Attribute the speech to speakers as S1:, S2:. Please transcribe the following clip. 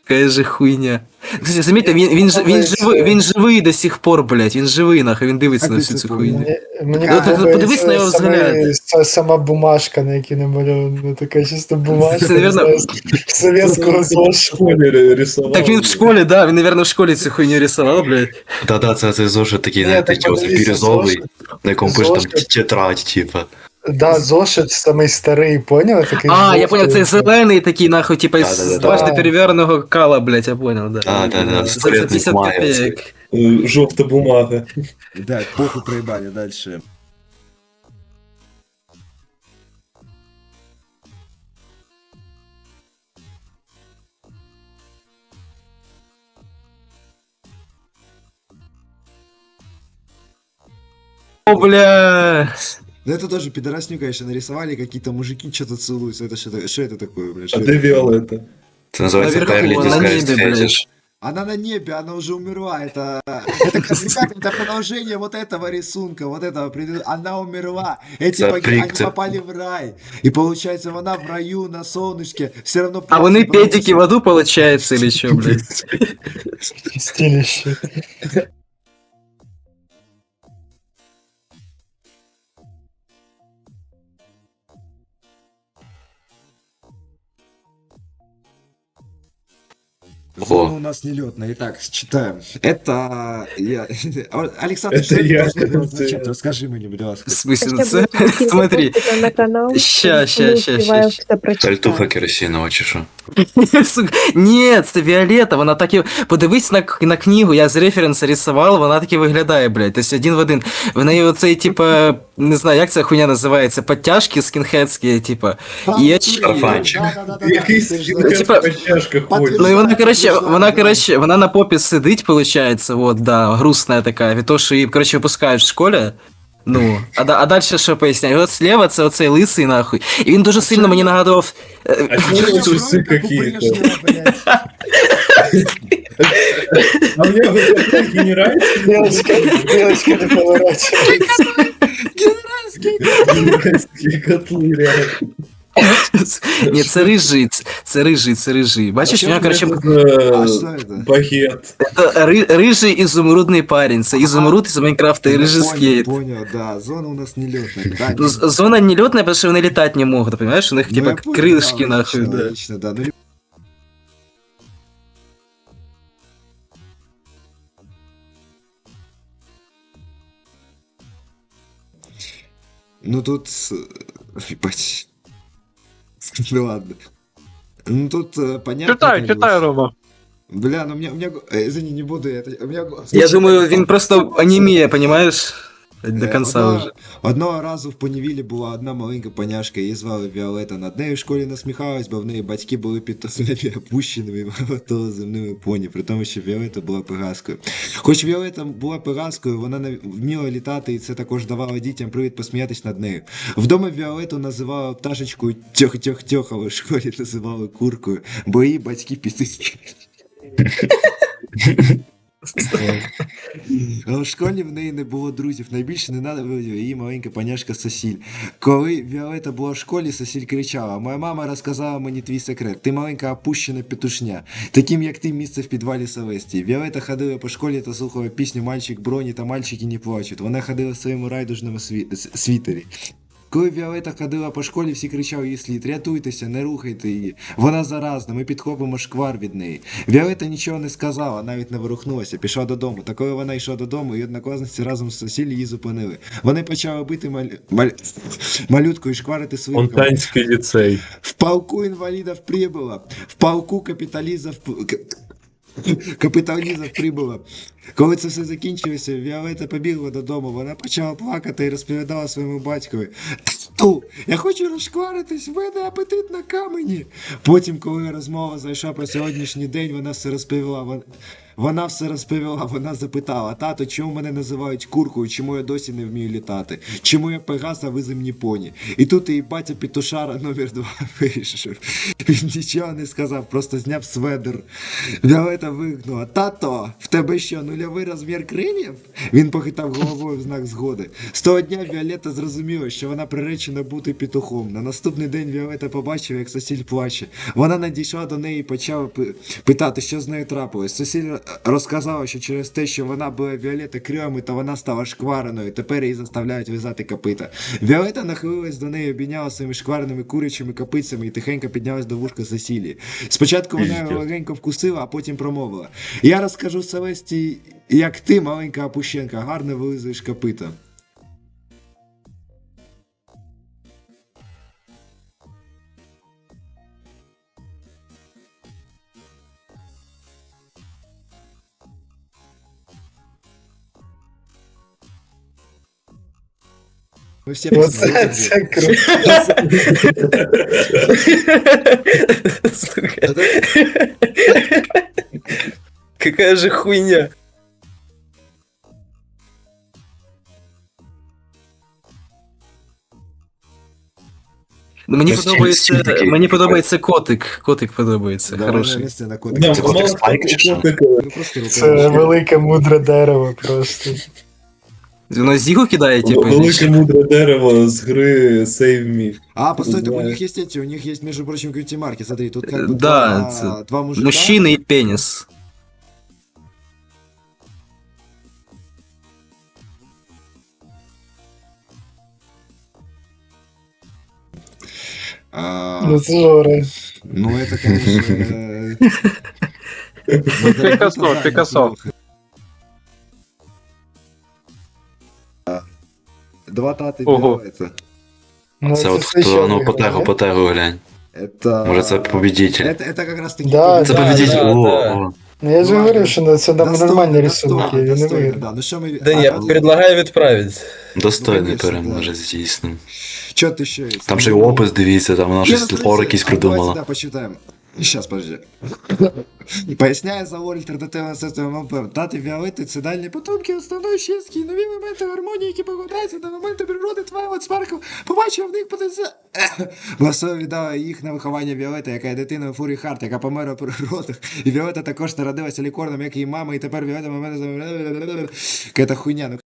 S1: Какая же хуйня. Кстати, заметьте, він живий до сих пор, блядь, він живий, нахуй, він дивиться
S2: Як
S1: на
S2: до
S1: всю
S2: сих
S1: цю
S2: пор?
S1: хуйню.
S3: Мені
S1: Ну, ти подивись на
S3: подобається
S1: його взгляд.
S3: сама бумажка, на якій намальована, така чисто бумажка,
S1: Це,
S3: не
S1: наверно,
S3: знаю, з совєтського
S4: В
S3: зошиту.
S4: школе рисовал.
S1: Так він в школі, да, він, наверное, в школі цю хуйню рисував, блядь.
S5: Да-да, це зошит такий,
S3: Ні,
S5: знаєте,
S3: так
S5: чогось
S3: подивіться,
S5: бірюзовий,
S3: зошит.
S5: на якому пише там
S3: Зошит.
S5: тетрадь, типа.
S3: Да, зошит самий старий, поняв? Такий
S1: А, я
S3: жовтий.
S1: понял, це зелений такий, нахуй, типа, з
S5: Да-да-да.
S1: дважди переверненого кала, блядь, я понял, да.
S5: Да-да-да,
S1: За
S5: секретний
S1: 50
S5: має
S1: копеек.
S4: Желтая бумага.
S2: Да, похуй проебали, дальше.
S1: О, бля.
S2: Ну это тоже пидорасню, конечно, нарисовали, какие-то мужики что-то целуются. Это что это такое, блядь?
S4: А
S2: Что
S4: ты
S2: это?
S4: Виолетта.
S5: Це називається
S1: Наверху,
S5: Перлі
S1: на
S5: Disguised
S1: небі, блядь.
S5: Fetish.
S2: Она на небе, она уже умерла. Это, ребята, это продолжение вот этого рисунка, вот этого. Она умерла. Эти
S5: Это
S2: они
S5: прикты.
S2: попали в рай. И получается, она в раю на солнышке. Все равно.
S1: А вони педики в аду, получается, или что, блядь?
S3: Стилище.
S2: Зона у нас нелетная. Итак, читаем. Это я. Александр,
S4: Это
S2: что
S4: я.
S2: должно было означать? Расскажи мне, будь ласка.
S1: В смысле,
S6: Сейчас
S1: це?
S6: будет скинь
S1: Смотри.
S6: запустика на канал.
S1: Ща,
S6: Мы
S1: ща,
S6: успеваем
S1: ща.
S6: все прочитать.
S5: Сальтуха керосинова чи що?
S1: Сука, ні, це Віолетта, вона так і... Подивись на книгу, я з референса рисував, вона так і виглядає, блядь. Тобто один в один. В неї оцей, типа, не знаю, як ця хуйня називається, підтяжки скінхедські, типа. І очі.
S5: Шарфанчик.
S4: Якийсь
S1: типа,
S4: в чашках ходит.
S1: Ну і вона, на попі сидить, получается, вот, да, грустная такая, від того, що її, короче, випускають в школі. Ну, а далі що поясняю? І от слева це оцей лисий, нахуй. І він дуже сильно мені нагадував...
S4: А чё трусы какие-то? А мне вот такие не нравятся.
S3: Девочка не поворачивается.
S4: Генеральские котлы, реально.
S1: Ні, це рижий. Бачиш, у нього, короче,
S2: А что это?
S4: Багет.
S1: це рижий ізумрудний парень. Це ізумруд із Майнкрафта і рижий скейт.
S2: Понял, да. Зона у нас нелетная. Да,
S1: Ну, зона нелетная, потому что вони летать не могут, понимаешь? У них,
S2: ну,
S1: типа,
S2: я понял,
S1: крылышки,
S2: да,
S1: нахуй,
S2: логично,
S1: да.
S2: логично, да. Ну тут... Ебать. Ну ладно. Ну тут понятно.
S7: Читай,
S2: как бы.
S7: читай, Рома.
S2: Бля, ну у меня... Извини, не буду я... У меня...
S1: Я думаю, він просто аніміє, понимаешь? До конца уже.
S2: Одного разу в Понівілі була одна маленька поняшка, її звали Віолетта. Над нею в школі насміхались, бо в неї батьки були підтосляві опущеними молотоземними поні, при тому, що Віолетта була пегаскою. Хоч Віолетта була пегаскою, вона вміла літати, і це також давало дітям привід посміятись над нею. Вдома Віолетту називали пташечкою тьох-тьох-тьох, а в школі називали куркою, бо її батьки пісики. А в школі в неї не було друзів. Найбільше ненавиділа її маленька паняшка Сосіль. Коли Віолетта була в школі, Сосіль кричала: «Моя мама розказала мені твій секрет. Ти маленька опущена петушня. Таким, як ти, місце в підвалі Селестії». Віолетта ходила по школі та слухала пісню «Мальчик Броні» та «Мальчики не плачуть». Вона ходила в своєму райдужному світері. Коли Віолетта ходила по школі, всі кричали їй слід: «Рятуйтеся, не рухайте її. Вона заразна, ми підхопимо шквар від неї». Віолетта нічого не сказала, навіть не ворухнулася, пішла додому. Та коли вона йшла додому, і однокласниці разом з Сосіль її зупинили. Вони почали бити малютку і шкварити свинками.
S4: Онтанський ліцей.
S2: В полку инвалидов прибыло. В полку капіталізів прибуло. Коли це все закінчилося, Віолетта побігла додому. Вона почала плакати і розповідала своєму батькові: «Тату, я хочу розшкваритись, в мене апетит на камені». Потім, коли розмова зайшла про сьогоднішній день, вона все розповіла. Вона запитала: «Тато, чому мене називають куркою, чому я досі не вмію літати? Чому я Пегас, а ви земні поні?» І тут її батя Петушара номер 2 вийшов. Він нічого не сказав, просто зняв сведер. Віолетта вигукнула: «Тато, в тебе що, 0 нульовий розмір крилів? Він похитав головою в знак згоди. З того дня Віолетта зрозуміла, що вона приречена бути петухом. На наступний день Віолетта побачила, як Сосіль плаче. Вона надійшла до неї і почала питати, що з нею трапилось. Сосіль розказала, що через те, що вона була Віолетта крилами, то вона стала шквареною. Тепер її заставляють в'язати копита. Віолетта нахилилась до неї, обійняла своїми шквареними курячими копицями і тихенько піднялась до вушка Сесілії. Спочатку вона його легенько вкусила, а потім промовила. Я розкажу Селесті, як ти, маленька опущенка, гарно вилизуєш копита. Ми всі
S3: Оце це круто.
S1: Сука. Какая же хуйня.
S5: Ось стіль такий.
S1: Мені подобається котик. Котик подобається. Хороший.
S2: Місце на
S4: Да,
S2: кодик.
S5: Це котик
S4: мало
S5: Спайк чи що?
S4: котика.
S2: Ну, просто
S3: Це
S2: руками.
S3: велике мудре дерево просто.
S1: Воно зігу кидає, типу.
S4: Велике мудре дерево з гри Save Me.
S2: А, постойте, у
S4: Знаю.
S2: них есть эти, у них есть, между прочим, кьюти-марки, смотри, тут как бы
S1: Да,
S2: два мужика.
S1: Мужчина і пеніс.
S3: Ну це жоре.
S2: Ну, это, конечно...
S6: Пикассо, Пикассо.
S2: Два тати
S6: Ого.
S2: это.
S3: Ну,
S5: Це от
S3: все ще
S5: хто, ну,
S3: виграє.
S5: потегу глянь.
S2: Это...
S5: Може це победитель.
S2: Это как раз таки...
S3: Да,
S5: Це
S3: да,
S5: победитель.
S1: да,
S5: О,
S1: да.
S5: о.
S3: Ну я ж
S2: Ладно.
S3: говорив, що це
S2: Достойно,
S3: нормальні
S2: достойно,
S3: рисунки, він не
S2: достойно,
S3: виграє.
S2: да. Ну що ми...
S1: Да я предлагаю відправити.
S5: Достойний
S2: конечно,
S5: переможець, дійсно.
S2: Що ти ще є?
S5: Там ще й опис, дивіться, там вона щось лор якийсь придумала.
S2: Да, почитаємо. Сейчас, подожди. Поясняє завод альтернативного системи МП. Дати Віолетти – це дальні потомки основної чистки і нові моменти гармонії, які покладаються на моменти природи Твайлайт Спаркл. Побачив в них потенціал. Власова віддала їх на виховання Віолетти, яка є дитиною Фурі Харт, яка померла при родах. І Віолетта також народилася лікорном, як її мама, і тепер Віолетта момент... Какая-то хуйня. Ну,